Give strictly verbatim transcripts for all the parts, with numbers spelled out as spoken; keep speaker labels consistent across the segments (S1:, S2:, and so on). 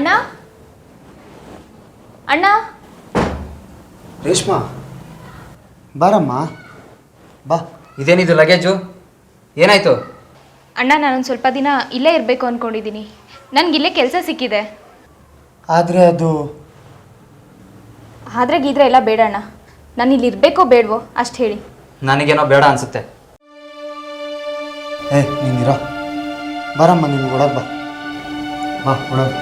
S1: ಅಣ್ಣ ಅಣ್ಣ
S2: ರೇಷ್ಮಾ ಬಾರಮ್ಮ ಬಾ.
S3: ಇದೇನಿದು ಲಗೇಜು? ಏನಾಯ್ತು?
S1: ಅಣ್ಣ ನಾನೊಂದು ಸ್ವಲ್ಪ ದಿನ ಇಲ್ಲೇ ಇರಬೇಕು ಅಂದ್ಕೊಂಡಿದ್ದೀನಿ. ನನಗಿಲ್ಲೇ ಕೆಲಸ ಸಿಕ್ಕಿದೆ.
S2: ಆದರೆ ಅದು
S1: ಆದರೆ ಗೀದ್ರೆ ಎಲ್ಲ ಬೇಡ ಅಣ್ಣ. ನಾನು ಇಲ್ಲಿ ಇರಬೇಕೋ ಬೇಡವೋ ಅಷ್ಟು ಹೇಳಿ.
S3: ನನಗೇನೋ ಬೇಡ ಅನಿಸುತ್ತೆ.
S2: ಏ ನೀನಿರೋ ಬಾರಮ್ಮ, ನೀನು ಓಡೋದು ಬಾ ಬಾ ಓಡೋದು.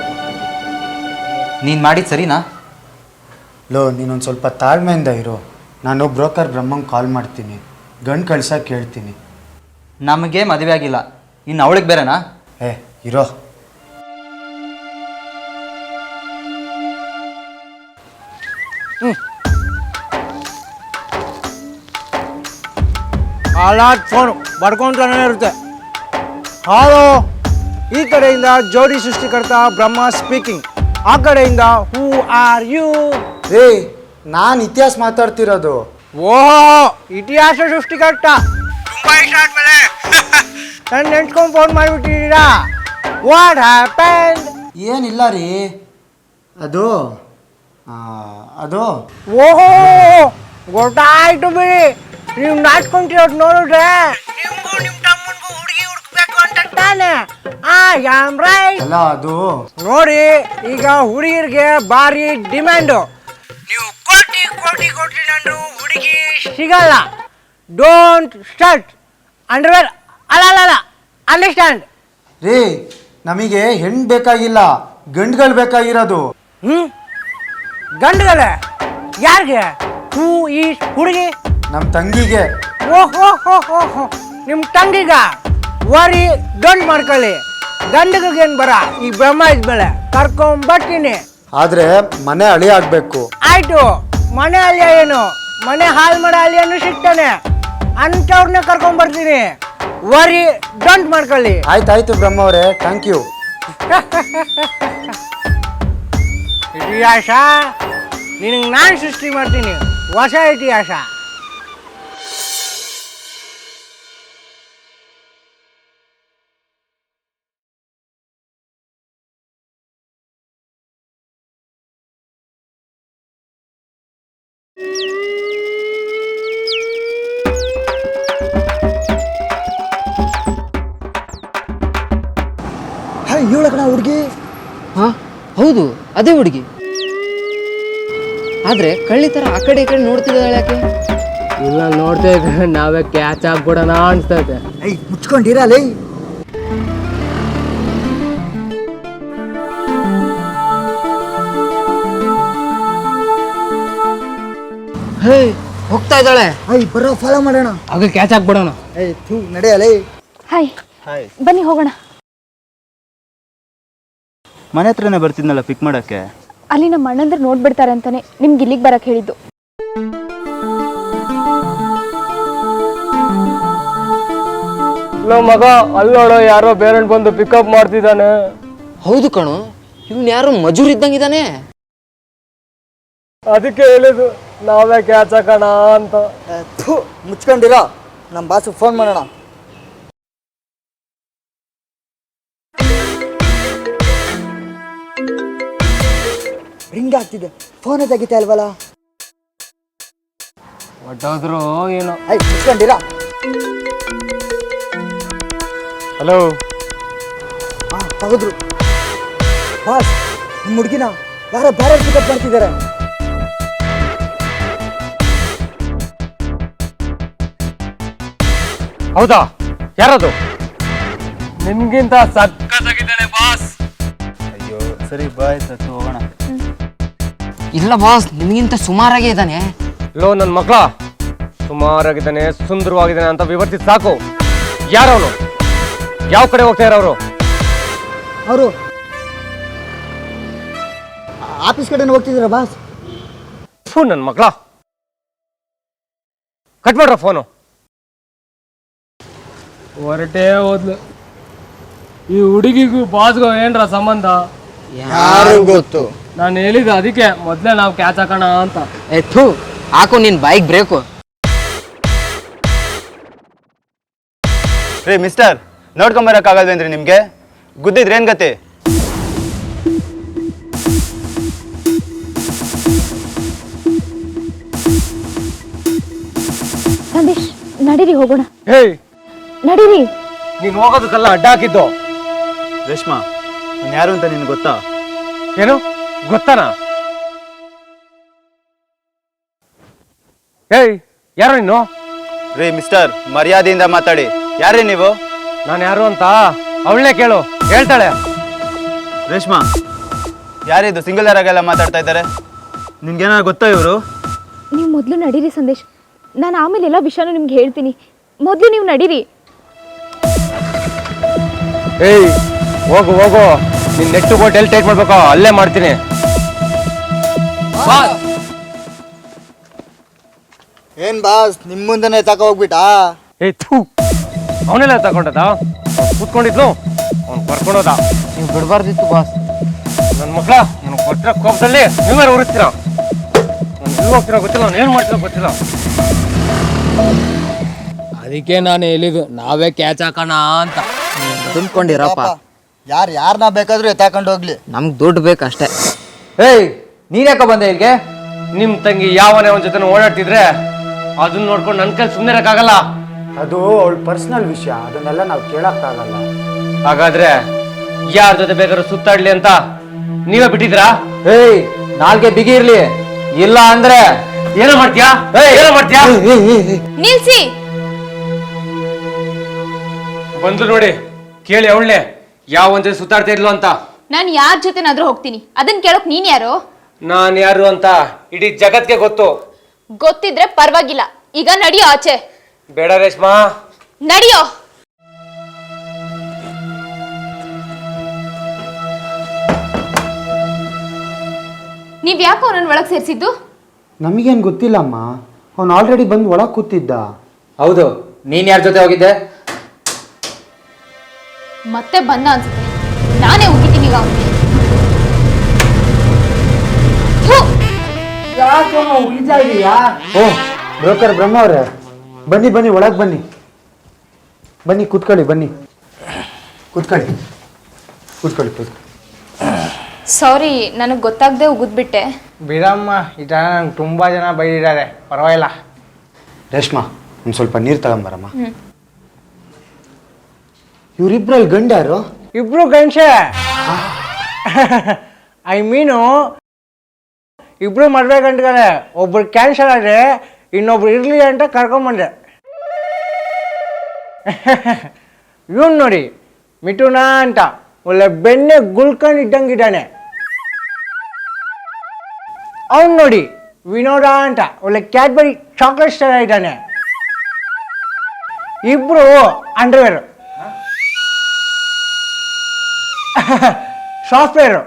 S3: ನೀನು ಮಾಡಿದ್ದು ಸರಿನಾ?
S2: ಲೋ ನೀನೊಂದು ಸ್ವಲ್ಪ ತಾಳ್ಮೆಯಿಂದ ಇರು. ನಾನು ಬ್ರೋಕರ್ ಬ್ರಹ್ಮಂಗೆ ಕಾಲ್ ಮಾಡ್ತೀನಿ, ಗಂಡು ಕಳ್ಸೋಕೆ ಹೇಳ್ತೀನಿ.
S3: ನಮಗೆ ಮದುವೆ ಆಗಿಲ್ಲ, ಇನ್ನು ಅವಳಿಗೆ ಬೇರೆನಾ?
S2: ಏ ಇರೋ.
S4: ಹ್ಞೂ ಹಾಲಾಟ್ ಫೋನು ಬರ್ಕೊಂತಾನೆ ಇರುತ್ತೆ. ಹಾಲೋ, ಈ ಕಡೆಯಿಂದ ಜೋಡಿ ಸೃಷ್ಟಿಕರ್ತ ಬ್ರಹ್ಮ ಸ್ಪೀಕಿಂಗ್. ಆ ಕಡೆಯಿಂದ ಹೂ ಆರ್ ಯು?
S2: ಏ ನಾನು ಇತಿಹಾಸ ಮಾತಾಡ್ತಿರೋದು.
S4: ಓಹೋ, ಇತಿಹಾಸ ಸೃಷ್ಟಿಕರ್ತ ತುಂಬಾ ಇಷ್ಟ ಆದ್ಮೇಲೆ ನನ್ನ ನೆನ್ಸ್ಕೊಂಡು ಫೋನ್ ಮಾಡಿಬಿಟ್ಟಿದ್ದೀರಾ? What happened?
S2: ಏನಿಲ್ಲ ರೀ, ಅದು ಅದು
S4: ಓಹೋ ಗೊತ್ತಾಯ್ತು ಬಿಡಿ. ನೀವು ನಾಚ್ಕೊಂತಿರೋದು ನೋಡಿದ್ರೆ ನಿಮ್ಗೂ ನಿಮ್ಮ ತಮ್ಮನಿಗೂ ಹುಡುಗಿ ಹುಡುಕ್ಬೇಕು ಅಂತ ತಾನೆ? ಆ ಯಾಮ್ ರೈಟ್.
S2: ಅಲ್ಲ ಅದು
S4: ನೋಡಿ, ಈಗ ಹುಡುಗಿರಿಗೆ ಭಾರಿ ಡಿಮ್ಯಾಂಡು. ನೀವು ಕೋಟಿ ಕೋಟಿ ಕೋಟಿ ನಂದು ಹುಡುಗಿ ಸಿಗಲ್ಲ. Don't start underwear. ಅಲ್ಲ ಅಲ್ಲ ಅಲ್ಲ ಅಂಡರ್ಸ್ಟ್ಯಾಂಡ್
S2: ರೀ, ನಮಗೆ ಹೆಣ್ಣು ಬೇಕಾಗಿಲ್ಲ, ಗಂಡುಗಳು ಬೇಕಾಗಿರೋದು.
S4: ಹ್ಞೂ ಗಂಡುಗಳೇ? ಯಾರಿಗೆ? ಹೂ ಈ ಹುಡುಗಿ?
S2: ನಮ್ಮ ತಂಗಿಗೆ.
S4: ಓಹೋ ಹೋ ಹೋ ಹೋ, ನಿಮ್ಮ ತಂಗಿಗ ವರಿ ಡೋಂಟ್ ಮಾಡ್ಕೊಳ್ಳಿ. ಗಂಡಗೇನು ಬರ, ಈ ಬ್ರಹ್ಮ ಇದ್ಮೇಲೆ ಕರ್ಕೊಂಬರ್ತೀನಿ.
S2: ಆದರೆ ಮನೆ ಹಳಿ ಆಗಬೇಕು.
S4: ಆಯ್ತು, ಮನೆ ಅಳಿಯ ಏನು, ಮನೆ ಹಾಳು ಮಾಡೋ ಅಳಿಯನು ಸಿಗ್ತಾನೆ. ಅಂಥವ್ರನ್ನೇ ಕರ್ಕೊಂಬರ್ತೀನಿ. ವರಿ ಡೋಂಟ್ ಮಾಡ್ಕೊಳ್ಳಿ.
S2: ಆಯ್ತಾಯ್ತು ಬ್ರಹ್ಮ ಅವರೇ, ಥ್ಯಾಂಕ್ ಯು. ಇತಿಹಾಸ ನಿನಗೆ ನಾನು ಸೃಷ್ಟಿ ಮಾಡ್ತೀನಿ, ಹೊಸ ಇತಿಹಾಸ. ಹಾಯ್ ಇವಳ ಕಣ ಹುಡುಗಿ.
S5: ಹಾಂ ಹೌದು, ಅದೇ ಹುಡುಗಿ. ಆದರೆ ಕಳ್ಳಿ ಥರ ಆ ಕಡೆ ಈ ಕಡೆ ನೋಡ್ತಿದ್ದಾಳೆ ಯಾಕೆ?
S6: ಇಲ್ಲ ನೋಡ್ತಾ ಇದ್ರೆ ನಾವೇ ಕ್ಯಾಚ್ ಆಗ್ಬಿಡೋಣ ಅನ್ಸ್ತೈತೆ.
S2: ಐ ಮುಚ್ಕೊಂಡಿರಲ್ಲ.
S5: ಹೇ ಹೋಗ್ತಾ ಇದ್ದಾಳೆ.
S2: ಐ ಬರೋ ಫಾಲೋ ಮಾಡೋಣ.
S6: ಆಗ ಕ್ಯಾಚ್ ಆಗ್ಬಿಡೋಣ.
S2: ಐ ಥೂ ನಡೆಯಲ್ಲ.
S1: ಹಾಯ್
S2: ಹಾಯ್,
S1: ಬನ್ನಿ ಹೋಗೋಣ.
S7: ಮನೆ ಹತ್ರನೇ ಬರ್ತಿದ್ನಲ್ಲ ಪಿಕ್ ಮಾಡೋಕ್ಕೆ.
S1: ಅಲ್ಲಿ ನಮ್ಮ ಅಣ್ಣಂದ್ರೆ ನೋಡ್ಬಿಡ್ತಾರೆ ಅಂತಾನೆ ನಿಮ್ಗೆ ಇಲ್ಲಿಗೆ ಬರಕ್ಕೆ ಹೇಳಿದ್ದು.
S6: ನಮ್ಮ ಮಗ ಅಲ್ಲೋಡೋ ಯಾರೋ ಬೇರೆಂಟ್ ಬಂದು ಪಿಕಪ್ ಮಾಡ್ತಿದ್ದಾನೆ.
S5: ಹೌದು ಕಣು, ಇವ್ನು ಯಾರೋ ಮಜೂರ್ ಇದ್ದಂಗಿದ್ದಾನೆ.
S6: ಅದಕ್ಕೆ ಹೇಳಿದ್ದು ನಾವೇ ಕ್ಯಾಚ್ ಹಾಕೋಣ ಅಂತ.
S2: ಥೂ ಮುಚ್ಕೊಂಡಿರ, ನಮ್ಮ ಬಾಸು ಫೋನ್ ಮಾಡೋಣ. ರಿಂಗ್ ಆಗ್ತಿದೆ, ಫೋನ್ ತೆಗಿತಾ ಇಲ್ವಲ್ಲ?
S6: ಒಟ್ಟೋದ್ರು ಏನೋ.
S2: ಐ ಮುಚ್ಕೊಂಡಿರ.
S6: ಹಲೋ,
S2: ಹಾಂ ತೆಗೆದ್ರು. ಬಾಸ್, ನಿಮ್ಮ ಹುಡುಗಿನ ಯಾರೋ ಬೇರೆ ಪಿಕಪ್ ಮಾಡ್ತಿದ್ದಾರೆ.
S6: ಹೌದಾ? ಯಾರದು? ನಿಮ್ಗಿಂತ ಸಕ್ಕತ್ತಾಗಿದ್ದಾನೆ ಬಾಸ್.
S7: ಅಯ್ಯೋ ಸರಿ ಬಾಯ್ ಸತ್ತು ಹೋಗೋಣ.
S5: ಇಲ್ಲ ಬಾಸ್, ನಿಮಗಿಂತ ಸುಮಾರಾಗೇ ಇದ್ದಾನೆ.
S6: ಲೋ ನನ್ನ ಮಕ್ಕಳ, ಸುಮಾರಾಗಿದ್ದಾನೆ, ಸುಂದರವಾಗಿದ್ದಾನೆ ಅಂತ ವಿವರ್ತಿಸಿ ಸಾಕು. ಯಾರವನು? ಯಾವ ಕಡೆ ಹೋಗ್ತಾ ಇರೋರು?
S2: ಅವರು ಆಫೀಸ್ ಕಡೆ ಹೋಗ್ತಿದ್ದೀರಾ ಬಾಸ್?
S6: ಫು ನನ್ನ ಮಕ್ಕಳ, ಕಟ್ ಮಾಡ್ರ ಫೋನು. ಹೊರಟೇ ಹೋದ್ಲು. ಈ ಹುಡುಗಿಗೂ ಬಾಸ್ಗೂ ಏನ್ರ ಸಂಬಂಧ?
S2: ಯಾರು ಗೊತ್ತು.
S6: ನಾನು ಹೇಳಿದ ಅದಕ್ಕೆ ಮೊದಲೇ ನಾವು ಕ್ಯಾಚ್ ಹಾಕೋಣ ಅಂತ.
S5: ಎತ್ತು ಹಾಕು ನಿನ್ ಬೈಕ್ ಬ್ರೇಕು.
S7: ರೀ ಮಿಸ್ಟರ್, ನೋಡ್ಕೊಂಬರಕ್ಕಾಗಲ್ವೇನ್ರಿ ನಿಮಗೆ? ಗುದ್ದಿದ್ರೆ ಏನು ಗತಿ?
S1: ಸಂದೇಶ್ ನಡೀರಿ ಹೋಗೋಣ,
S6: ಹೇಯ್,
S1: ನಡೀರಿ.
S6: ನೀನು ಹೋಗೋದಕ್ಕೆಲ್ಲ ಅಡ್ಡ ಹಾಕಿದ್ದು.
S7: ರೇಷ್ಮಾ ನಾನು ಯಾರು ಅಂತ ನಿನ್ಗೆ ಗೊತ್ತಾ?
S6: ಏನು ಗೊತ್ತಾನಾ? ಏಯ್, ಯಾರು ನೀನು?
S7: ರೇ ಮಿಸ್ಟರ್, ಮರ್ಯಾದೆಯಿಂದ ಮಾತಾಡಿ. ಯಾರೇ ನೀವು?
S6: ನಾನು ಯಾರು ಅಂತ ಅವಳನ್ನೇ ಕೇಳು, ಹೇಳ್ತಾಳೆ.
S7: ರೇಷ್ಮಾ, ಯಾರಿದು ಸಿಂಗಲ್ ಆಗೆಲ್ಲ ಮಾತಾಡ್ತಾ ಇದ್ದಾರೆ? ನಿನ್ಗೇನಾರು ಗೊತ್ತಾ ಇವರು?
S1: ನೀವು ಮೊದಲು ನಡೀರಿ ಸಂದೇಶ್, ನಾನು ಆಮೇಲೆ ಎಲ್ಲ ವಿಷಯನೂ ನಿಮ್ಗೆ ಹೇಳ್ತೀನಿ. ಮೊದಲು ನೀವು ನಡೀರಿ.
S6: ಏಯ್, ಹೋಗು ಹೋಗು, ನಿನ್ ನೆಟ್ಟು ಬೋಟ್ ಎಲ್ಲಿ ಟೈಟ್ ಮಾಡ್ಬೇಕು ಅಲ್ಲೇ ಮಾಡ್ತೀನಿ.
S2: ಏನ್ ಬಾಸ್ ನಿಮ್ಮ ಮುಂದೆನೆ ತಕ ಹೋಗ್ಬಿಟ್ಟಾ?
S6: ಏಯ್ ಥೂ, ಅವನೆಲ್ಲ ತಗೊಂಡದ? ಕೂತ್ಕೊಂಡಿದ್ಲು, ಅವ್ನು ಬರ್ಕೊಂಡೋದ.
S4: ನೀವು ಬಿಡಬಾರ್ದಿತ್ತು ಬಾಸ್.
S6: ನನ್ನ ಮಕ್ಕಳ ನನಗೆ ಕೊಟ್ಟಿರೋ ಕೋಪದಲ್ಲಿ ನೀವೇ ಉರಿಸ್ತೀರ. ನಾನು ಎಲ್ಲಿ ಹೋಗ್ತೀರೋ ಗೊತ್ತಿಲ್ಲ, ನಾನು ಏನು ಮಾಡ್ತೀರೋ ಗೊತ್ತಿಲ್ಲ.
S8: ಅದಕ್ಕೆ ನಾನು ಹೇಳಿದ್ದು ನಾವೇ ಕ್ಯಾಚ್ ಹಾಕೋಣ ಅಂತ.
S5: ತುಂಬ್ಕೊಂಡಿರಪ್ಪ,
S2: ಯಾರು ಯಾರನ್ನ ಬೇಕಾದ್ರೂ ಎತ್ತಾಕೊಂಡು ಹೋಗ್ಲಿ,
S5: ನಮ್ಗೆ ದುಡ್ಡು ಬೇಕಷ್ಟೇ.
S3: ಏಯ್, ನೀನ್ಯಾಕ ಬಂದೆ ಇಲ್ಲಿಗೆ?
S6: ನಿಮ್ಮ ತಂಗಿ ಯಾವನೇ ಅವನ ಜೊತೆ ಓಡಾಡ್ತಿದ್ರೆ ಅದನ್ನ ನೋಡ್ಕೊಂಡು ನನ್ನ ಕೈಲಿ ಸುಮ್ಮನೆ ಇರೋಕ್ಕಾಗಲ್ಲ.
S2: ಅದು ಅವಳ ಪರ್ಸನಲ್ ವಿಷಯ, ಅದನ್ನೆಲ್ಲ ನಾವು ಕೇಳಕ್ಕಾಗಲ್ಲ.
S6: ಹಾಗಾದ್ರೆ ಯಾರ ಜೊತೆ ಬೇಕಾದ್ರೂ ಸುತ್ತಾಡ್ಲಿ ಅಂತ ನೀವೇ ಬಿಟ್ಟಿದ್ರಾ?
S3: ಏಯ್, ನಾಲ್ಗೆ ಬಿಗಿ ಇರ್ಲಿ, ಇಲ್ಲ ಅಂದ್ರೆ
S6: ಏನೋ ಮಾಡ್ತೀಯಾ? ಏನೋ ಮಾಡ್ತೀಯಾ?
S1: ನಿಲ್ಸಿ.
S6: ಬಂದು ನೋಡಿ, ಕೇಳಿ ಅವಳನ್ನೇ ಯಾವ ಒಂದ್ ಜೊತೆ ಸುತ್ತಾಡ್ತಾ ಇದ್ಲು ಅಂತ.
S1: ನಾನು ಯಾರ ಜೊತೆನಾದ್ರೂ ಹೋಗ್ತೀನಿ, ಅದನ್ನ ಕೇಳೋಕ್ ನೀನ್ ಯಾರು?
S6: ನಾನು ಯಾರು ಅಂತ ಇಡೀ ಜಗತ್ಗೆ ಗೊತ್ತು.
S1: ಗೊತ್ತಿದ್ರೆ ಪರವಾಗಿಲ್ಲ, ಈಗ ನಡಿಯೋ ಆಚೆ.
S6: ಬೇಡ ರೇಷ್ಮಾ,
S1: ನಡಿಯೋ. ನೀವ್ ಯಾಕೋ ನನ್ನ ಒಳಗ್ ಸೇರಿಸಿದ್ದು?
S2: ನಮಗೇನು ಗೊತ್ತಿಲ್ಲಮ್ಮ, ಅವ್ನು ಆಲ್ರೆಡಿ ಬಂದು ಒಳಗೆ ಕೂತಿದ್ದ.
S3: ಹೌದು, ನೀನ್ ಯಾರ ಜೊತೆ ಹೋಗಿದ್ದೆ?
S1: ಮತ್ತೆ ಬಂದ ಅನ್ಸುತ್ತೆ, ನಾನೇ ಹೋಗಿದ್ದೀನಿ ಈಗ ಅವ್ನಿಗೆ.
S2: ಓ ಬ್ರೋಕರ್ ಬ್ರಹ್ಮ ಅವರೇ, ಬನ್ನಿ ಬನ್ನಿ ಒಳಗೆ ಬನ್ನಿ, ಬನ್ನಿ ಕೂತ್ಕೊಳ್ಳಿ, ಬನ್ನಿ ಕೂತ್ಕೊಳ್ಳಿ ಕೂತ್ಕೊಳ್ಳಿ ಕೂತ್ಕೊಳ್ಳಿ.
S1: ಸಾರಿ, ನನಗೆ ಗೊತ್ತಾಗದೆ ಉಗಿದ್ಬಿಟ್ಟೆ.
S4: ಬಿಡಮ್ಮ, ಈ ಥರ ನಂಗೆ ತುಂಬ ಜನ ಬೈದಿದ್ದಾರೆ, ಪರವಾಗಿಲ್ಲ.
S2: ರೇಷ್ಮಾ, ಒಂದು ಸ್ವಲ್ಪ ನೀರು ತಗೊಂಬರಮ್ಮ. ಇವರಿಬ್ರಲ್ಲಿ ಗಂಡ ಯಾರು?
S4: ಇಬ್ರು ಗಂಡಸೆ. ಐ ಮೀನು ಇಬ್ರು ಮದುವೆ ಗಂಟುಗಳೇ, ಒಬ್ರು ಕ್ಯಾನ್ಸಲ್ ಆದರೆ ಇನ್ನೊಬ್ರು ಇರಲಿ ಅಂತ ಕರ್ಕೊಂಬಂದೆ. ಇವನು ನೋಡಿ ಮಿಥುನ ಅಂತ, ಒಳ್ಳೆ ಬೆಣ್ಣೆ ಗುಳ್ಕೊಂಡು ಇದ್ದಂಗಿದ್ದಾನೆ. ಅವನು ನೋಡಿ ವಿನೋದ ಅಂತ, ಒಳ್ಳೆ ಕ್ಯಾಡ್ಬರಿ ಚಾಕ್ಲೇಟ್ಸ್ ಥರ ಇದ್ದಾನೆ. ಇಬ್ರು ಅಂಡರ್ವೇರು, ಸಾಫ್ಟ್ವೇರು.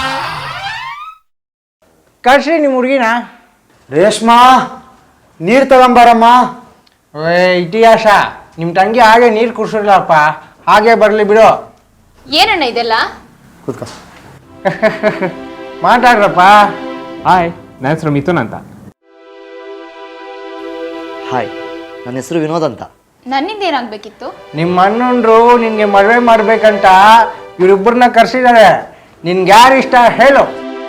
S4: ಕಳ್ಸಿ ನಿಮ್ಮ ಹುಡುಗಿನ.
S2: ರೇಷ್ಮಾ, ನೀರು ತಗೊಂಬರಮ್ಮ.
S4: ಏ ಇತಿಹಾಸ, ನಿಮ್ಮ ತಂಗಿ ಹಾಗೆ ನೀರು ಕುಡಿಸಿರ್ಲಪ್ಪ, ಹಾಗೆ ಬರಲಿ ಬಿಡು.
S1: ಏನಣ್ಣ ಇದೆಲ್ಲ?
S2: ಕೂತ್ಕೊ.
S4: ಮಾತಾಡ್ರಪ್ಪ.
S9: ಹಾಯ್, ನನ್ನ ಹೆಸರು ಮಿಥುನ್ ಅಂತ.
S5: ಹಾಯ್, ನನ್ನ ಹೆಸರು ವಿನೋದ್ ಅಂತ.
S1: ನನ್ನಿಂದ ಏನಾಗಬೇಕಿತ್ತು?
S4: ನಿಮ್ಮ ಅಣ್ಣಂದ್ರು ನಿನಗೆ ಮದುವೆ ಮಾಡ್ಬೇಕಂತ ಇವರಿಬ್ಬರನ್ನ ಕರ್ಸಿದ್ದಾರೆ. ನಿನ್ಗೆ ಯಾರು ಇಷ್ಟ ಹೇಳು.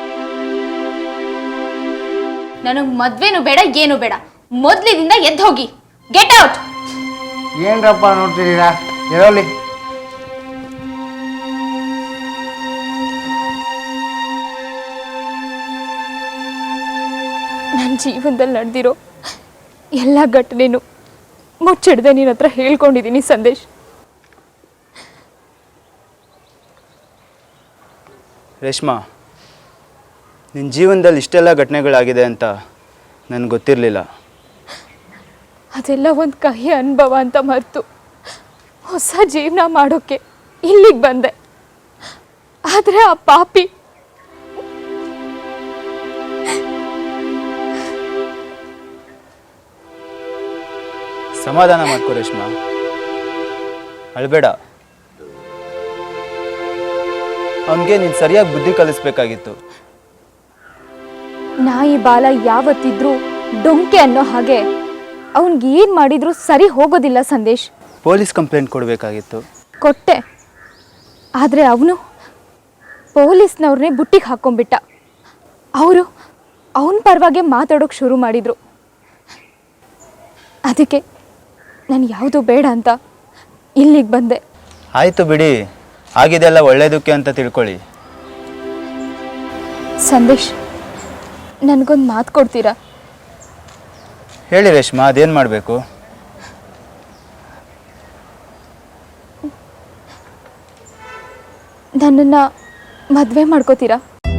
S1: ನನಗೆ ಮದ್ವೆನೂ ಬೇಡ, ಏನು ಬೇಡ. ಮೊದ್ಲಿದಿಂದ ಎದ್ದು ಹೋಗಿ, ಗೆಟ್ ಔಟ್.
S4: ಏನ್ರಪ್ಪ ನೋಡ್ತಿದ್ದೀರಾ, ಇರೋಲಿ.
S1: ನನ್ನ ಜೀವನದಲ್ಲಿ ನಡೆದಿರೋ ಎಲ್ಲ ಘಟನೆನೂ ಮುಚ್ಚಿಡ್ದೆ ನಿನ್ನ ಹತ್ರ ಹೇಳ್ಕೊಂಡಿದ್ದೀನಿ ಸಂದೇಶ್.
S7: ರೇಷ್ಮಾ, ನಿನ್ನ ಜೀವನದಲ್ಲಿ ಇಷ್ಟೆಲ್ಲ ಘಟನೆಗಳಾಗಿದೆ ಅಂತ ನನಗೆ ಗೊತ್ತಿರಲಿಲ್ಲ.
S1: ಅದೆಲ್ಲ ಒಂದು ಕಹಿ ಅನುಭವ ಅಂತ ಮರೆತು ಹೊಸ ಜೀವನ ಮಾಡೋಕ್ಕೆ ಇಲ್ಲಿಗೆ ಬಂದೆ. ಆದರೆ ಆ ಪಾಪಿ
S7: ಸಮಾಧಾನ ಮಾಡ್ಕೋ ರೇಷ್ಮಾ, ಅಳ್ಬೇಡ. ಅವನಿಗೆ ನೀನು ಸರಿಯಾಗಿ ಬುದ್ಧಿ ಕಲಿಸ್ಬೇಕಾಗಿತ್ತು.
S1: ನಾಯಿ ಬಾಲ ಯಾವತ್ತಿದ್ರೂ ಡೊಂಕೆ ಅನ್ನೋ ಹಾಗೆ ಅವನಿಗೆ ಏನು ಮಾಡಿದ್ರು ಸರಿ ಹೋಗೋದಿಲ್ಲ ಸಂದೇಶ್.
S7: ಪೊಲೀಸ್ ಕಂಪ್ಲೇಂಟ್ ಕೊಡಬೇಕಾಗಿತ್ತು.
S1: ಕೊಟ್ಟೆ, ಆದರೆ ಅವನು ಪೊಲೀಸ್ನವ್ರನ್ನೇ ಬುಟ್ಟಿಗೆ ಹಾಕ್ಕೊಂಡ್ಬಿಟ್ಟ. ಅವರು ಅವನ ಪರವಾಗಿ ಮಾತಾಡೋಕೆ ಶುರು ಮಾಡಿದರು. ಅದಕ್ಕೆ ನಾನು ಯಾವುದು ಬೇಡ ಅಂತ ಇಲ್ಲಿಗೆ ಬಂದೆ.
S7: ಆಯಿತು ಬಿಡಿ, ಆಗಿದೆಲ್ಲ ಒಳ್ಳೇದಕ್ಕೆ ಅಂತ ತಿಳ್ಕೊಳ್ಳಿ.
S1: ಸಂದೇಶ್, ನನಗೊಂದು ಮಾತು ಕೊಡ್ತೀರಾ?
S7: ಹೇಳಿ ರೇಷ್ಮಾ, ಅದೇನು ಮಾಡಬೇಕು?
S1: ನನ್ನನ್ನು ಮದುವೆ ಮಾಡ್ಕೋತೀರಾ?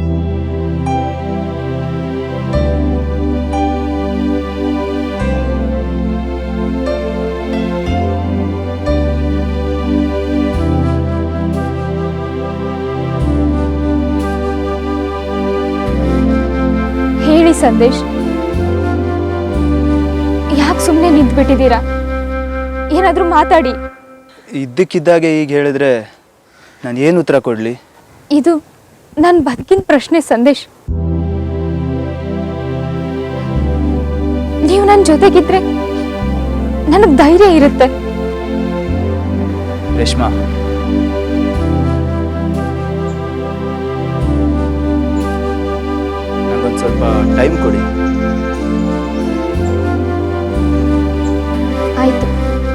S1: ಹೇಳಿ ಸಂದೇಶ್, ಯಾಕೆ ಸುಮ್ಮನೆ ನಿಂತ್ಬಿಟ್ಟಿದ್ದೀರಾ? ಏನಾದರೂ ಮಾತಾಡಿ.
S7: ಇದ್ದಕ್ಕಿದ್ದಾಗೆ ಈಗ ಹೇಳಿದ್ರೆ ನಾನು ಏನು ಉತ್ತರ ಕೊಡಲಿ?
S1: ಇದು ನನ್ನ ಬದುಕಿನ ಪ್ರಶ್ನೆ ಸಂದೇಶ್. ನೀವು ನನ್ನ ಜೊತೆಗಿದ್ರೆ ನನಗೆ ಧೈರ್ಯ ಇರುತ್ತೆ.
S7: ರೇಷ್ಮಾ, ನನಗೊಂದು ಸ್ವಲ್ಪ ಟೈಮ್ ಕೊಡಿ.
S1: ಆಯಿತು,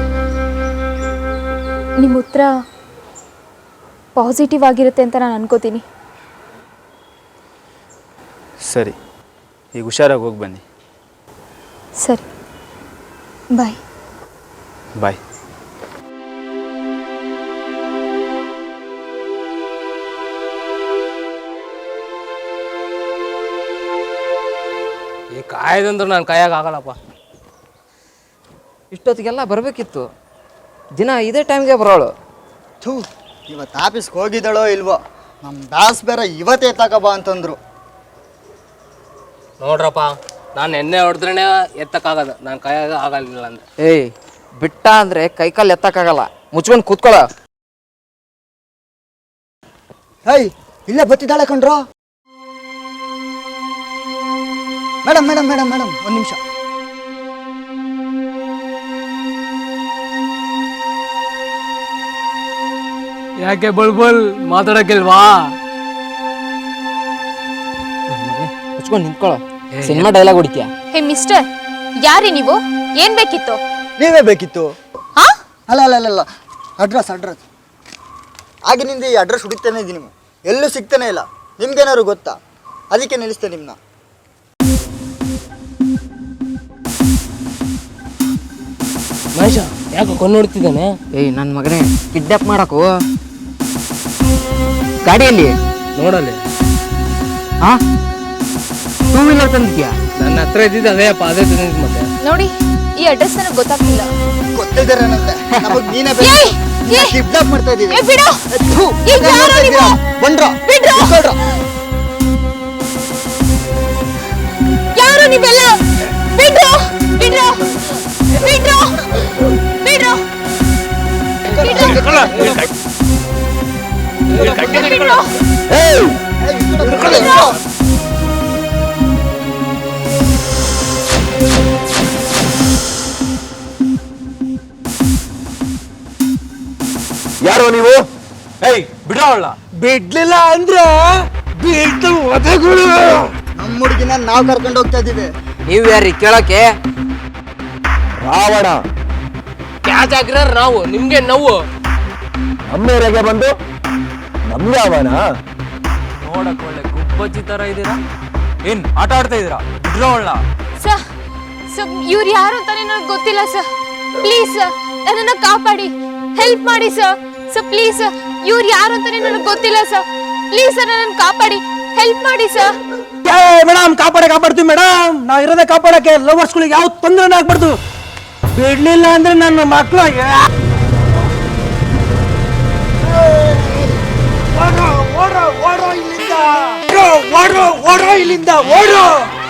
S1: ನಿಮ್ಮ ಉತ್ತರ ಪಾಸಿಟಿವ್ ಆಗಿರುತ್ತೆ ಅಂತ ನಾನು ಅನ್ಕೋತೀನಿ.
S7: ಸರಿ, ಈಗ ಹುಷಾರಾಗಿ ಹೋಗಿ ಬನ್ನಿ.
S1: ಸರಿ, ಬಾಯ್.
S7: ಬಾಯ್.
S8: ಈ ಕಾಯ್ದಂದ್ರೆ ನಾನು ಕಾಯಾಗ ಆಗಲ್ಲಪ್ಪ.
S5: ಇಷ್ಟೊತ್ತಿಗೆಲ್ಲ ಬರಬೇಕಿತ್ತು. ದಿನ ಇದೇ ಟೈಮ್ಗೆ ಬರೋಳು.
S10: ಥೂ, ಇವತ್ತು ಆಫೀಸ್ಗೆ ಹೋಗಿದ್ದಾಳೋ ಇಲ್ವೋ? ನಮ್ಮ ಬಾಸ್ ಬೇರೆ ಇವತ್ತೇ ತಗೋಬಾ ಅಂತಂದ್ರು.
S8: ನೋಡ್ರಪ್ಪ, ನಾನು ಎಣ್ಣೆ ಹೊಡೆದ್ರೇ ಎತ್ತಕ್ಕಾಗದು, ನಾನು ಕಾಯಾಗ ಆಗಲಿಲ್ಲ ಅಂದ್ರೆ.
S5: ಏಯ್, ಬಿಟ್ಟ ಅಂದರೆ ಕೈಕಾಲು ಎತ್ತಕ್ಕಾಗಲ್ಲ. ಮುಚ್ಕೊಂಡು ಕೂತ್ಕೊಳ್ಳ.
S10: ಹೇಯ್, ಇಲ್ಲೇ ಬತ್ತಿದ್ದಾಳೆ ಕಣ್ರೋ. ಮೇಡಮ್ ಮೇಡಮ್ ಮೇಡಮ್ ಮೇಡಮ್ ಒಂದು ನಿಮಿಷ.
S8: ಯಾಕೆ ಬಳ್ಬಲ್ ಮಾತಾಡಕ್ಕಿಲ್ವಾ?
S5: ಮುಚ್ಕೊಂಡು ನಿಂತ್ಕೊಳ್ಳೋ. ಸಿನಿಮಾ ಡೈಲಾಗ್ ಹೊಡಿತೀಯ?
S1: ಹೇ ಮಿಸ್ಟರ್, ಯಾರಿ ನೀವು? ಏನ್ ಬೇಕಿತ್ತು?
S10: ನೀವೇ ಬೇಕಿತ್ತು? ಅಲ್ಲ ಅಲ್ಲ ಅಲ್ಲ ಅಲ್ಲ ಅಡ್ರೆಸ್ ಅಡ್ರೆಸ್ ಆಗಿನಿಂದ ಈ ಅಡ್ರೆಸ್ ಹುಡುಕ್ತಾನೆ ಇದ್ದೀನಿ, ಎಲ್ಲೂ ಸಿಗ್ತಾನೆ ಇಲ್ಲ. ನಿಮ್ಗೇನಾದ್ರು ಗೊತ್ತಾ? ಅದಕ್ಕೆ ನಿಲ್ಲಿಸ್ತೇನೆ ನಿಮ್ಮನ್ನ.
S8: ಮಹೇಶ ಯಾಕೆ ಕೊಂಡು ನೋಡ್ತಿದ್ದಾನೆ?
S5: ಏಯ್, ನನ್ನ ಮಗನೇ, ಕಿಡ್ನಾಪ್ ಮಾಡಕು ಗಾಡಿಯಲ್ಲಿ
S8: ನೋಡಲ್ಲಿ.
S5: ಹಾ, ಟೂ ವೀಲರ್ ತಂದಿದ್ಯಾ?
S8: ನನ್ನ ಹತ್ರ ಇದ್ದಿದ್ದು ಅದೇ ಅಪ್ಪ, ಅದೇ ತಂದಿದ್ದು. ಮತ್ತೆ
S1: ನೋಡಿ, ಈ ಅಡ್ರೆಸ್ ನನಗೆ ಗೊತ್ತಾಗ್ತಿಲ್ಲ.
S10: ಗೊತ್ತಿದ್ದಾರೆ ಅನ್ನತ್ತೆ, ನಮಗ್ ನೀನೇ ಕಿಡ್ನಾಪ್ ಮಾಡ್ತಾ ಇದ್ದೀವಿ.
S1: ಏ, ಬಿಡು. ಈಗ ಯಾರು ನೀವು?
S10: ಬಂದ್ರ
S1: ಬಿಡ್ರು. ಯಾರು ನೀವೆಲ್ಲ? ಬಿಡ್ರು, ಬಿಡ್ರು, ಬಿಡ್ರು, ಬಿಡ್ರು, ಬಿಡ್ರು.
S6: ಯಾರೋ ನೀವು? ಏಯ್, ಬಿಡೋಲ್ಲ.
S4: ಬಿಡ್ಲಿಲ್ಲ ಅಂದ್ರೆ ಬೀಳ್ತು ಒದಗಳು.
S10: ನಮ್ಮ ಹುಡುಗಿನ ನಾವು ಕರ್ಕೊಂಡು ಹೋಗ್ತಾ ಇದ್ದೀವಿ.
S5: ನೀವು ಯಾರಿ ಕೇಳಕ್ಕೆ?
S6: ರಾವಣ
S8: ಕ್ಯಾಚ್ ಹಾಕಿರೋ ನಾವು, ನಿಮ್ಗೆ ನೋವು.
S6: ನಮ್ಮ ಏರಿಯಾಗೆ ಬಂದು ನಮ್ಗೆ ಅವನ
S8: ನೋಡಕ್ ಒಳ್ಳೆ ಗುಬ್ಬಚ್ಚಿ ತರ ಇದ್ದೀರಾ. ಏನ್ ಆಟ ಆಡ್ತಾ ಇದ್ದೀರಾ? ಬಿಡ್ರೋಳ್ಳ.
S1: ಸರ್, ಸರ್, ಇವ್ರು ಯಾರು ಅಂತಾನೆ ನನಗೆ ಗೊತ್ತಿಲ್ಲ ಸರ್. ಪ್ಲೀಸ್ ಸರ್, ನನ್ನನ್ನು ಕಾಪಾಡಿ, ಹೆಲ್ಪ್ ಮಾಡಿ ಸರ್. ಸರ್ ಪ್ಲೀಸ್ ಸರ್, ಇವ್ರು ಯಾರು ಅಂತಾನೆ ನನಗೆ ಗೊತ್ತಿಲ್ಲ ಸರ್. ಪ್ಲೀಸ್ ಸರ್, ನನ್ನನ್ನು ಕಾಪಾಡಿ, ಹೆಲ್ಪ್ ಮಾಡಿ ಸರ್.
S4: ಮೇಡಮ್, ಕಾಪಾಡ ಕಾಪಾಡ್ತೀವಿ ಮೇಡಮ್. ನಾ ಇರೋದೇ ಕಾಪಾಡಕ್ಕೆ. ಲವರ್ಸ್ಗಳಿಗೆ ಯಾವ ತೊಂದರೆ ಆಗ್ಬಾರ್ದು. ಬಿಡ್ಲಿಲ್ಲ ಅಂದ್ರೆ ನನ್ನ ಮಕ್ಕಳು ಓಡೋ ಓಡೋ ಇಲ್ಲಿಂದ, ಓಡೋ ಓಡೋ ಇಲ್ಲಿಂದ, ಓಡೋ.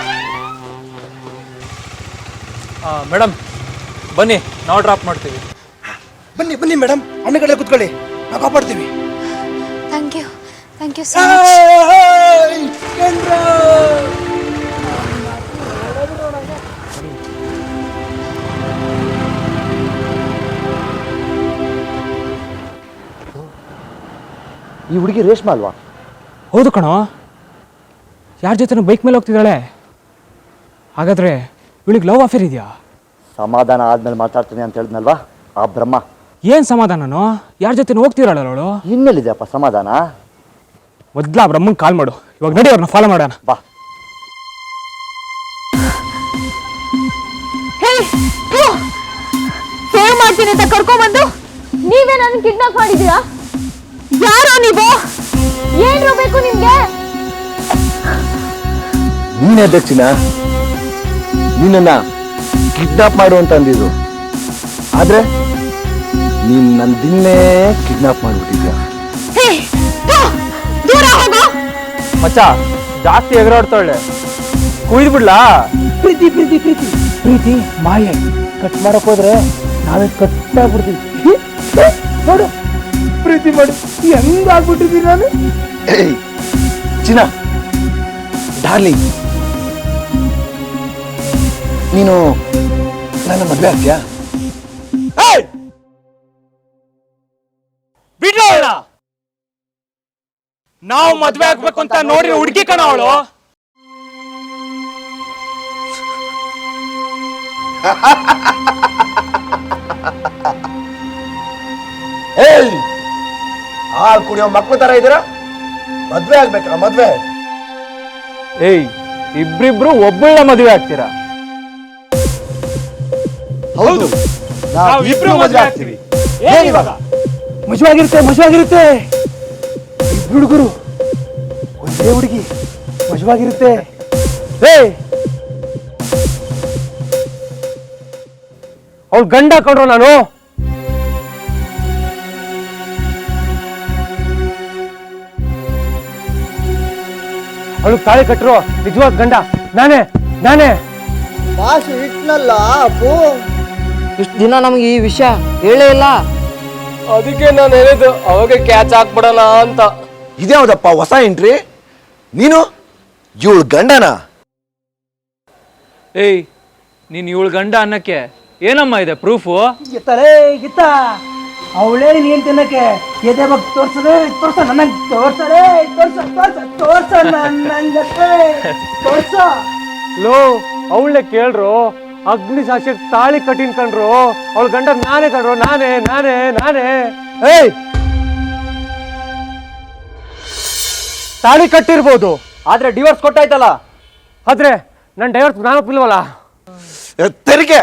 S8: ಮೇಡಮ್ ಬನ್ನಿ, ನಾವು ಡ್ರಾಪ್ ಮಾಡ್ತೀವಿ.
S4: ಬನ್ನಿ ಬನ್ನಿ ಮೇಡಮ್, ಅಣ್ಣ ಕಡೆ ಕುತ್ಕೊಳ್ಳಿ, ನಾವು ಕಾಪಾಡ್ತೀವಿ.
S1: Thank you, thank you so much.
S6: ಈ ಹುಡುಗಿ ರೇಷ್ಮಾ ಅಲ್ವಾ?
S9: ಹೌದು ಕಣೋ. ಯಾರ ಜೊತೆ ಬೈಕ್ ಮೇಲೆ ಹೋಗ್ತಿದ್ದಾಳೆ? ಹಾಗಾದ್ರೆ ಇವಳಿಗೆ ಲವ್ ಅಫೇರ್ ಇದೆಯಾ?
S10: ಸಮಾಧಾನ ಆದ್ಮೇಲೆ ಮಾತಾಡ್ತೀನಿ ಅಂತ ಹೇಳಿದ್ನಲ್ವಾ ಆ ಬ್ರಹ್ಮ.
S9: ಏನ್ ಸಮಾಧಾನನೋ? ಯಾರ ಜೊತೆ ಹೋಗ್ತಿರಲ್ಲ ಅವಳು?
S10: ಇನ್ನೆಲ್ಲಿದೆಯಪ್ಪ ಸಮಾಧಾನ?
S9: ಮೊದ್ಲ ಬ್ರಹ್ಮಂಗ್ ಕಾಲ್ ಮಾಡು. ಇವಾಗ ನಡಿ ಅವ್ರನ್ನ ಫಾಲೋ ಮಾಡೋಣ.
S10: ಬಾ.
S1: ಸೇವ್ ಮಾಡ್ತೀನಿ ಅಂತ ಕರ್ಕೊಂಡ್ಬಂದು ನೀವೇ ನನ್ನ ಕಿಡ್ನಾಪ್ ಮಾಡಿದೀರಾ? ಯಾರೋ ನೀವು? ಏನ್ರು ಬೇಕು ನಿಮ್ಗೆ?
S7: ನೀನೇ ದಕ್ಷಿಣ, ನಿನ್ನ ಕಿಡ್ನಾಪ್ ಮಾಡು ಅಂತ ಅಂದಿದ್ದು, ಆದ್ರೆ ನೀನ್ ನನ್ನ ದಿನ್ನೇ ಕಿಡ್ನಾಪ್ ಮಾಡ್ಬಿಟ್ಟಿದ್ಯಾ.
S1: ದೂರ ಹೋಗು.
S6: ಮಚ್ಚ ಜಾಸ್ತಿ ಎಗರಾಡ್ತಾಳೆ, ಕುಯ್ದು ಬಿಡ್ಲಾ?
S4: ಪ್ರೀತಿ ಪ್ರೀತಿ ಪ್ರೀತಿ ಪ್ರೀತಿ ಮಾಯೆ. ಕಟ್ ಮಾಡಕ್ ಹೋದ್ರೆ ನಾವೇ ಕಟ್ ಆಗ್ಬಿಡ್ತೀವಿ. ನೋಡು ಪ್ರೀತಿ ಮಾಡಿ ಹೆಂಗಾಗ್ಬಿಟ್ಟಿದ್ದೀನಿ ನಾನು.
S7: ಏಯ್ ಚಿನ್ನ, ಡಾರ್ಲಿಂಗ್, ನೀನು ನನ್ನ ಮದ್ವೆ ಆಗ್ತೀಯಾ?
S9: ಬಿಡ್ಲ ನಾವು ಮದ್ವೆ ಆಗ್ಬೇಕು ಅಂತ ನೋಡಿ ಹುಡುಗಿ ಕಣ ಅವಳು.
S7: ಏಯ್, ಹಾಲು ಕುಡಿಯೋ ಮಕ್ಳು ತರ ಇದ್ದೀರಾ? ಮದ್ವೆ ಆಗ್ಬೇಕಾ? ಮದ್ವೆ?
S6: ಏಯ್, ಇಬ್ರಿಬ್ರು ಒಬ್ಬಳ ಮದುವೆ ಆಗ್ತೀರಾ?
S7: ಹೌದು, ನಾವು ಇಬ್ರು ಮದ್ವೆ ಆಗ್ತೀವಿ.
S9: ಏನಿವಾಗ?
S4: ಮಜವಾಗಿರುತ್ತೆ ಮಜವಾಗಿರುತ್ತೆ. ಇಬ್ರು ಹುಡುಗರು ಒಂದೇ ಹುಡುಗಿ, ಮಜವಾಗಿರುತ್ತೆ.
S6: ಏಯ್, ಅವ್ಳು ಗಂಡ ಕಂಡ್ರು ನಾನು. ಅವಳು ತಾಳಿ ಕಟ್ಟರು ನಿಜವಾದ ಗಂಡ ನಾನೇ ನಾನೇ
S10: ಭಾಷೆ ಇಟ್ನಲ್ಲ ಅಪ್ಪು.
S5: ಇಷ್ಟು ದಿನ ನಮಗೆ ಈ ವಿಷಯ ಹೇಳೇ ಇಲ್ಲ.
S6: ಅದಕ್ಕೆ ನಾನು ಹೇಳಿದ್ದು ಅವಾಗ ಕ್ಯಾಚ್ ಹಾಕ್ಬಿಡೋಣ ಅಂತ.
S7: ಇದ್ಯಾವುದಪ್ಪ ಹೊಸ ಎಂಟ್ರಿ? ನೀನು ಇವಳು ಗಂಡನ?
S8: ಏಯ್, ನೀನು ಇವಳು ಗಂಡ ಅನ್ನಕ್ಕೆ ಏನಮ್ಮ ಇದೆ ಪ್ರೂಫು?
S4: ಗಿತ್ತಲೇ ಗಿತ್ತ, ಅವಳೇ ನೀನ್ ತಿನ್ನಕ್ಕೆ ಎದೆ ಬಗ್ಗೆ ತೋರ್ಸದೆ ತೋರ್ಸ, ನನಗೆ ತೋರ್ಸಲೇ ತೋರ್ಸ ತೋರ್ಸ ತೋರ್ಸ ನಂಗತ್ತೆ ತೋರ್ಸ.
S6: ಲೋ, ಅವಳನ್ನೇ ಕೇಳ್ರು, ಅಗ್ನಿ ಸಾಕ್ಷಿಗೆ ತಾಳಿ ಕಟ್ಟಿನ್ ಕಂಡ್ರು, ಅವಳ ಗಂಡ ನಾನೇ ಕಂಡ್ರು, ನಾನೇ ನಾನೇ ನಾನೇ. ಏಯ್, ತಾಳಿ ಕಟ್ಟಿರ್ಬೋದು,
S3: ಆದ್ರೆ ಡಿವೋರ್ಸ್ ಕೊಟ್ಟಾಯ್ತಲ್ಲ.
S6: ಆದ್ರೆ ನನ್ ಡೈವರ್ಸ್ ನಾನು ಒಪ್ಪಿಲ್ವಲ್ಲ.
S7: ತೆರಿಗೆ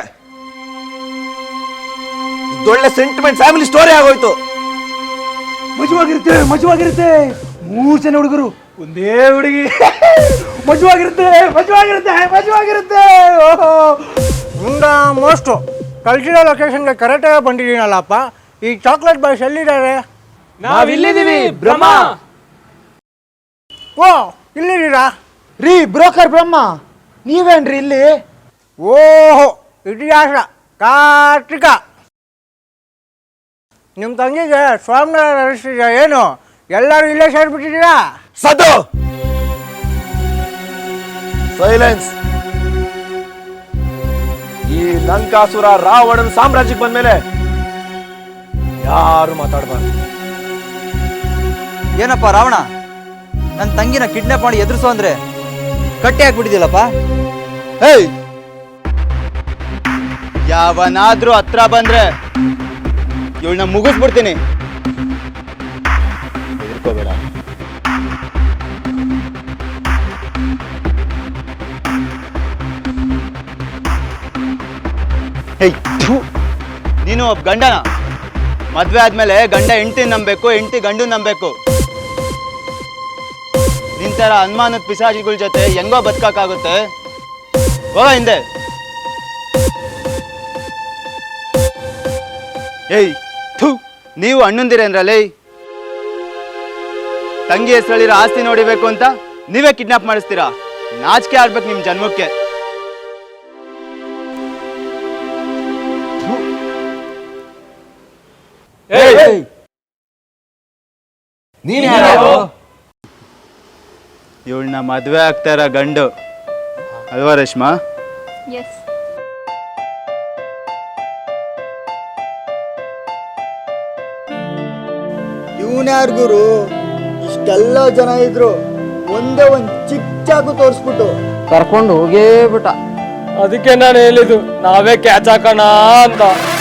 S7: ಇದೊಳ್ಳೆ ಸೆಂಟಿಮೆಂಟ್ ಫ್ಯಾಮಿಲಿ ಸ್ಟೋರಿ ಆಗೋಯ್ತು.
S4: ಮಜವಾಗಿರುತ್ತೆ ಮಜವಾಗಿರುತ್ತೆ. ಮೂರು ಜನ ಹುಡುಗರು ಒಂದೇ ಹುಡುಗಿ. ಮಜವಾಗಿರುತ್ತೆ ಮಜವಾಗಿರುತ್ತೆ ಮಜವಾಗಿರುತ್ತೆ. ಓಹೋ, ಮುಂದ ಮೋಸ್ಟು ಕಲ್ಸಿರೋ ಲೊಕೇಶನ್ಗೆ ಕರೆಕ್ಟಾಗಿ ಬಂದಿದ್ದೀನಲ್ಲಪ್ಪ. ಈ ಚಾಕ್ಲೇಟ್ ಬಾಯ್ಸ್ ಎಲ್ಲಿದ್ದಾರೆ?
S9: ನಾವಿಲ್ಲಿದ್ದೀವಿ ಬ್ರಹ್ಮ.
S4: ಓ, ಇಲ್ಲಿದ್ದೀರಾ?
S2: ರೀ ಬ್ರೋಕರ್ ಬ್ರಹ್ಮ, ನೀವೇನ್ರಿ ಇಲ್ಲಿ?
S4: ಓಹೋ, ಇತಿಹಾಸ ಕಾರ್ತಿಕ. ನಿಮ್ಮ ತಂಗಿಗೆ ಸ್ವಾಮಿನಾರ ನಡೆಸ್ತಿದ್ಯಾ ಏನು? ಎಲ್ಲರೂ ಇಲ್ಲೇ ಸೇರ್ಬಿಟ್ಟಿದ್ದೀರಾ?
S7: ಸದು ಸೈಲೆನ್ಸ್. ಈ ಲಂಕಾಸುರ ರಾವಣನ ಸಾಮ್ರಾಜ್ಯಕ್ಕೆ ಬಂದ್ಮೇಲೆ ಯಾರು ಮಾತಾಡಬಾರ್ದು.
S3: ಏನಪ್ಪ ರಾವಣ, ನನ್ನ ತಂಗಿನ ಕಿಡ್ನಾಪ್ ಮಾಡಿ ಎದುರಿಸೋ ಅಂದ್ರೆ ಕಟ್ಟಿ ಹಾಕ್ಬಿಟ್ಟಿದ್ದಿಲ್ಲಪ್ಪ.
S7: ಹೇಯ್, ಯಾವನಾದ್ರೂ ಹತ್ರ ಬಂದ್ರೆ ಇವಳನ್ನ ಮುಗಿಸ್ಬಿಡ್ತೀನಿ. ಹೆದರ್ಕೋಬೇಡ. ಹೇಯ್, ಥು, ನೀನು ಒಬ್ಬ ಗಂಡನ. ಮದ್ವೆ ಆದ್ಮೇಲೆ ಗಂಡ ಹೆಂಡತಿ ನಂಬೇಕು, ಹೆಂಡತಿ ಗಂಡು ನಂಬೇಕು. ನಿಂತರ ಅನುಮಾನದ ಪಿಸಾಚಿಗಳ ಜೊತೆ ಹೆಂಗೋ ಬದುಕಾಗುತ್ತೆ. ಹೋಗ ಹಿಂದೆ. ಏಯ್, ಥು, ನೀವು ಅಣ್ಣಂದಿರೇನ್ರಲ್ಲೇ? ತಂಗಿ ಹೆಸರಲ್ಲಿರೋ ಆಸ್ತಿ ನೋಡಿಬೇಕು ಅಂತ ನೀವೇ ಕಿಡ್ನಾಪ್ ಮಾಡಿಸ್ತೀರಾ? ನಾಚಿಕೆ ಆಡ್ಬೇಕು ನಿಮ್ ಜನ್ಮಕ್ಕೆ. ಇವಳನ್ನ ಮದ್ವೆ ಆಗ್ತಾ ಇರೋ ಗಂಡು ಅಲ್ವಾ ರೇಷ್ಮಾ?
S1: ಎಸ್.
S10: ಇವನ್ಯಾರು ಗುರು? ಇಷ್ಟೆಲ್ಲ ಜನ ಇದ್ರು ಒಂದೇ ಒಂದ್ ಚಿಕ್ಕ ಚಾಕು ತೋರಿಸ್ಬಿಟ್ಟು
S5: ಕರ್ಕೊಂಡು ಹೋಗೇ ಬಿಟ್ಟ.
S6: ಅದಕ್ಕೆ ನಾನು ಹೇಳಿದ್ದು ನಾವೇ ಕ್ಯಾಚ್ ಹಾಕೋಣ ಅಂತ.